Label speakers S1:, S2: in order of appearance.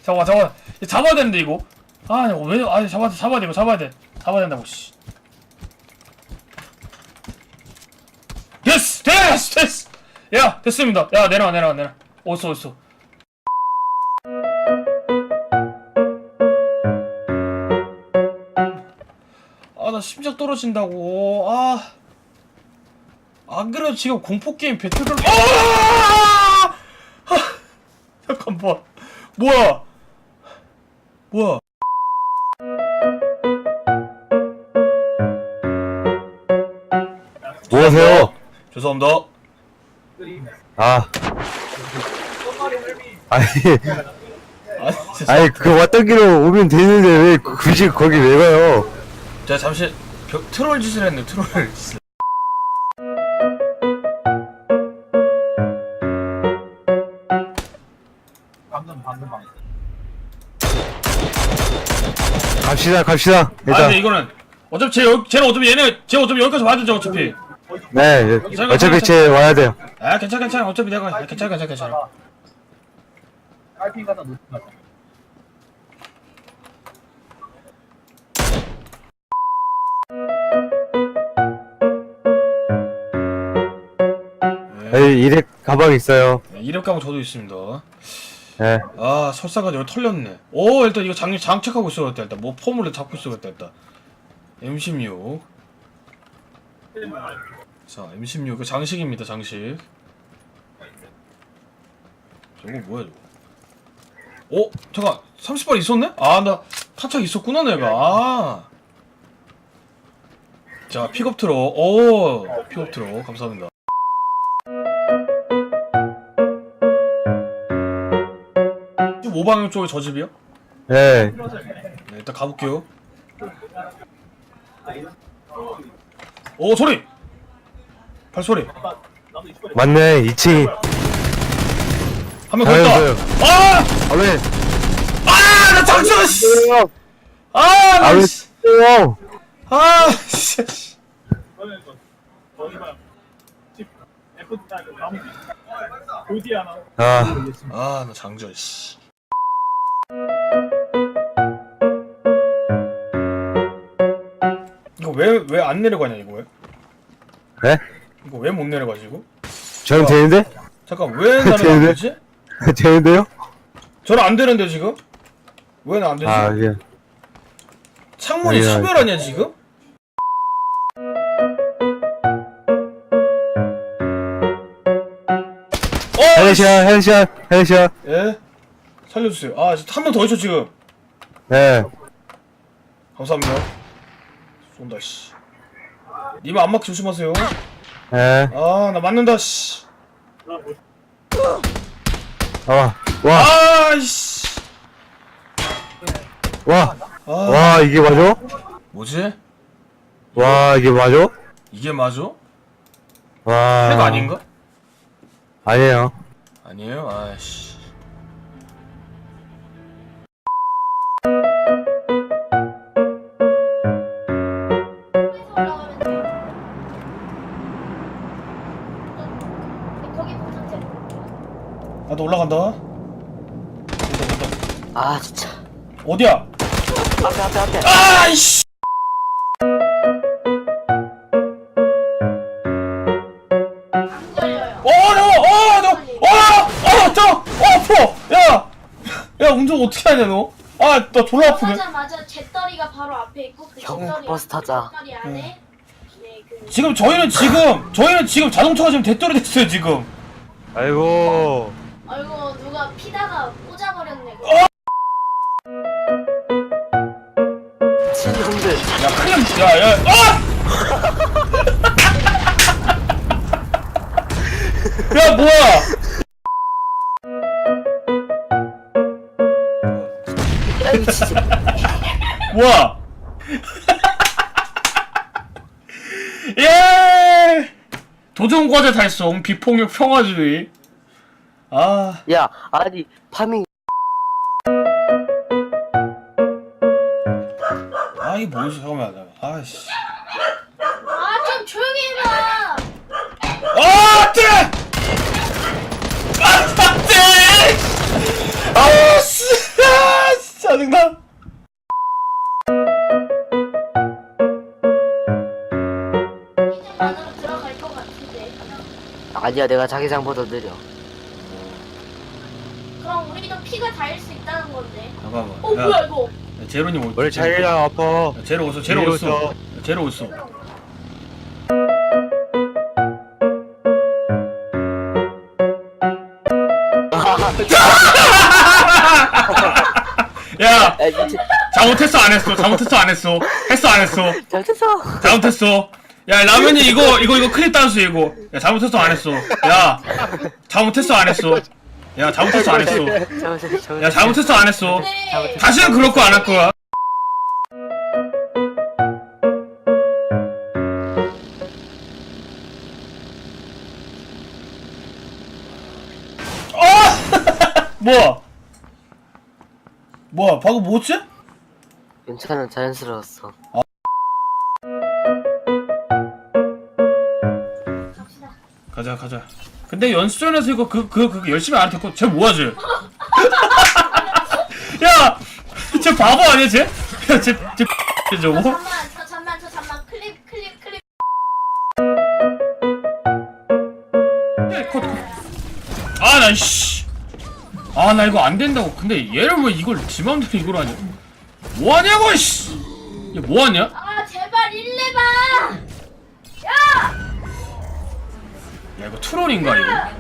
S1: 잠깐만. 잡아야 되는데 이거. 아, 왜? 아, 잡아야 돼. 이거 잡아야 돼. 잡아야 된다고. 씨. 됐어. 야, 됐습니다. 야, 내려와. 어딨어. 아, 나 심장 떨어진다고. 안 그래도 지금 공포게임 배틀을. 잠깐만. 뭐야?
S2: 뭐하세요?
S1: 죄송합니다.
S2: 아니,
S1: 아니,
S2: 그 왔던 길로 오면 되는데 왜 굳이 거기 왜 가요?
S1: 제가 잠시 트롤 짓을 했네. 트롤 짓을.
S2: 갑시다. 일단.
S1: 근데 이거는 어차피 쟤는 어차피 여기까지 와야 되죠 어차피.
S2: 네, 어차피 쟤 와야 돼요.
S1: 아, 괜찮아. 어차피 내가 괜찮아.
S3: 깔핑 가서 놓친 거죠.
S2: 여기 이렉 가방 있어요.
S1: 이력 가방 저도 있습니다.
S2: 네.
S1: 아, 설사가 여기 털렸네. 오, 일단 이거 장착하고 있어야겠다. 일단 뭐 폼을 잡고 있어야겠다. 일단 M16. 자, M16 그 장식입니다. 장식. 저거 뭐야 저거? 잠깐 30발 있었네? 아, 나 타착 있었구나 내가. 자, 픽업 트럭. 픽업 트럭 감사합니다. 지금 5방향 쪽에 저 집이요?
S2: 네.
S1: 네, 일단 가볼게요. 소리! 발소리!
S2: 맞네, 2층.
S1: 한 명 더 있다!
S2: 잘했어요. 왜?
S1: 나 장전! 씨!
S2: 왜?
S1: 씨! 나 장전, 씨. 이거 왜 안 내려가냐, 이거 왜?
S2: 네?
S1: 이거 왜 못 내려가지, 이거?
S2: 저는 되는데?
S1: 잠깐, 왜 나는 안 되지?
S2: 되는데요?
S1: 저는 안 되는데, 지금? 왜 나 안 되지?
S2: 예.
S1: 창문이
S2: 아니야.
S1: 차별하냐, 지금?
S2: 헤드샷.
S1: 예? 살려주세요. 한 명 더 있죠, 지금?
S2: 네.
S1: 감사합니다. 쏜다, 씨. 니마 안막 조심하세요.
S2: 네.
S1: 나 맞는다, 씨. 씨.
S2: 와, 이게 맞아?
S1: 뭐지?
S2: 와, 이게 맞아?
S1: 이게 맞아?
S2: 와.
S1: 핵 아닌가?
S2: 아니에요.
S1: 아니에요? 아이씨. 나도 올라간다.
S4: 아 진짜
S1: 어디야?
S4: 앞에
S1: 아이씨! 아파! 야, 운전 어떻게 하냐, 너? 나 졸라 아프네.
S5: 맞아. 잿더리가 바로 앞에 있고 그
S4: 형,
S5: 잿더리
S4: 버스 타자.
S5: 잿더리 안에
S1: 지금 저희는 지금 자동차가 지금 대떨이 됐어요, 지금.
S2: 아이고.
S5: 아이고 누가 피다가 꽂아버렸네.
S4: 형들
S1: 야, 큰일 야, 뭐야?
S4: 야 이거 진짜
S1: 뭐야? 예! 도전과제 달성, 비폭력 평화주의.
S4: 야 아니 파밍
S1: 이게 뭐지? 잠깐만. 아이씨.
S5: 좀 조용히 해봐.
S1: 안 돼! 안 돼! 씨!
S5: 안으로 들어갈 것 같은데.
S4: 아니야, 내가 자기장보다 느려.
S5: 그럼 우리도 피가 닿을 수 있다는 건데.
S1: 잠깐만.
S5: 뭐야 이거?
S1: 야, 제로님 올.
S2: 원래 자기장 아파.
S1: 야, 제로 오소. 제로
S2: 제로
S1: 오소.
S2: 오소.
S1: 야, 제로 오소. 야,
S4: 야, 미친.
S1: 잘못했어 안 했어? 잘못했어 안 했어? 했어 안 했어?
S4: 잘했어.
S1: 잘못했어. 야, 라면이 이거 클립 단수 이거. 야, 잘못했어 안 했어? 야, 잘못했어 안 했어? 야, 잘못했어 안 했어? 야, 잘못했어 안 했어?
S5: 네.
S1: 다시는 그럴 거 안 할 거야. 뭐야? 뭐야? 방금 뭐지?
S4: 괜찮아, 자연스러웠어.
S5: 갑시다.
S1: 가자. 근데 연수전에서 이거 그 열심히 안 했고 쟤 뭐하지? 야, 쟤 바보 아니야 쟤? 야, 쟤 저거?
S5: 잠만 클립.
S1: 컷. 아, 나 씨. 아, 나 이거 안 된다고. 근데 얘를 왜 이걸 지 맘대로 이걸 하냐? 뭐 하냐고 씨. 얘 뭐 하냐?
S5: 아 제발 일레봐.
S1: 야, 이거 트롤인가 이거?